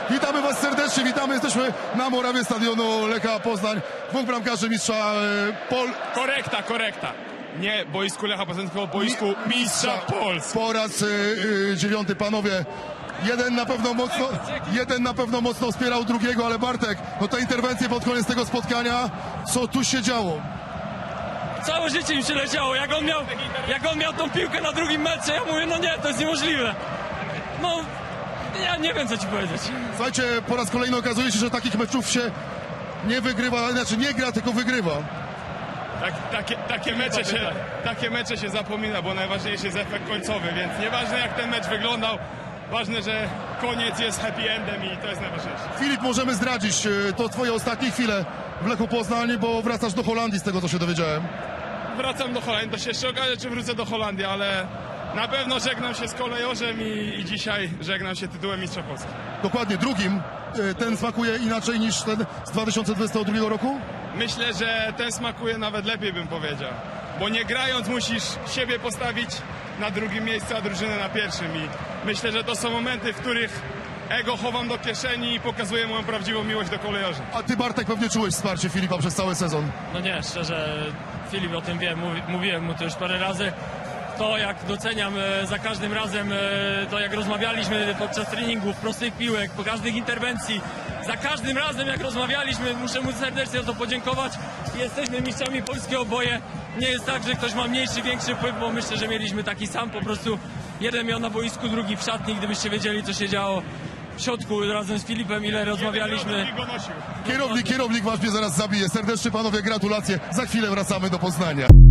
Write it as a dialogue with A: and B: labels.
A: Witamy Was serdecznie, witamy, jesteśmy na murawie stadionu Lecha Poznań. Dwóch bramkarzy mistrza
B: Korekta. Nie boisku Lecha Poznań, tylko boisku mistrza Polski.
A: Po raz 9, panowie. Jeden na pewno mocno wspierał drugiego, ale Bartek, no te interwencje pod koniec tego spotkania, co tu się działo?
C: Całe życie mi się leciało, jak on miał tą piłkę na drugim meczu, ja mówię, no nie, to jest niemożliwe. No, ja nie wiem, co ci powiedzieć.
A: Słuchajcie, po raz kolejny okazuje się, że takich meczów się nie wygrywa, znaczy nie gra, tylko wygrywa.
B: Takie mecze się zapomina, bo najważniejszy jest efekt końcowy, więc nieważne jak ten mecz wyglądał, ważne, że koniec jest happy endem i to jest najważniejsze.
A: Filip, możemy zdradzić, to twoje ostatnie chwile w Lechu Poznań, bo wracasz do Holandii, z tego co się dowiedziałem.
B: Wracam do Holandii, to się jeszcze okaże, czy wrócę do Holandii, ale na pewno żegnam się z kolejorzem i dzisiaj żegnam się tytułem mistrza Polski.
A: Dokładnie, drugim. Ten smakuje inaczej niż ten z 2022 roku?
B: Myślę, że ten smakuje nawet lepiej, bym powiedział. Bo nie grając musisz siebie postawić na drugim miejscu, a drużynę na pierwszym. I myślę, że to są momenty, w których ego chowam do kieszeni i pokazuję moją prawdziwą miłość do kolejorzy.
A: A ty, Bartek, pewnie czułeś wsparcie Filipa przez cały sezon.
C: No nie, szczerze, Filip o tym wie, mówiłem mu to już parę razy. To, jak doceniam za każdym razem, to jak rozmawialiśmy podczas treningów, prostych piłek, po każdych interwencji, za każdym razem jak rozmawialiśmy, muszę mu serdecznie za to podziękować. Jesteśmy mistrzami Polski oboje. Nie jest tak, że ktoś ma mniejszy, większy wpływ, bo myślę, że mieliśmy taki sam, po prostu jeden miał na boisku, drugi w szatni. Gdybyście wiedzieli, co się działo w środku razem z Filipem, ile rozmawialiśmy.
A: Kierownik wasz mnie zaraz zabije. Serdecznie, panowie, gratulacje. Za chwilę wracamy do Poznania.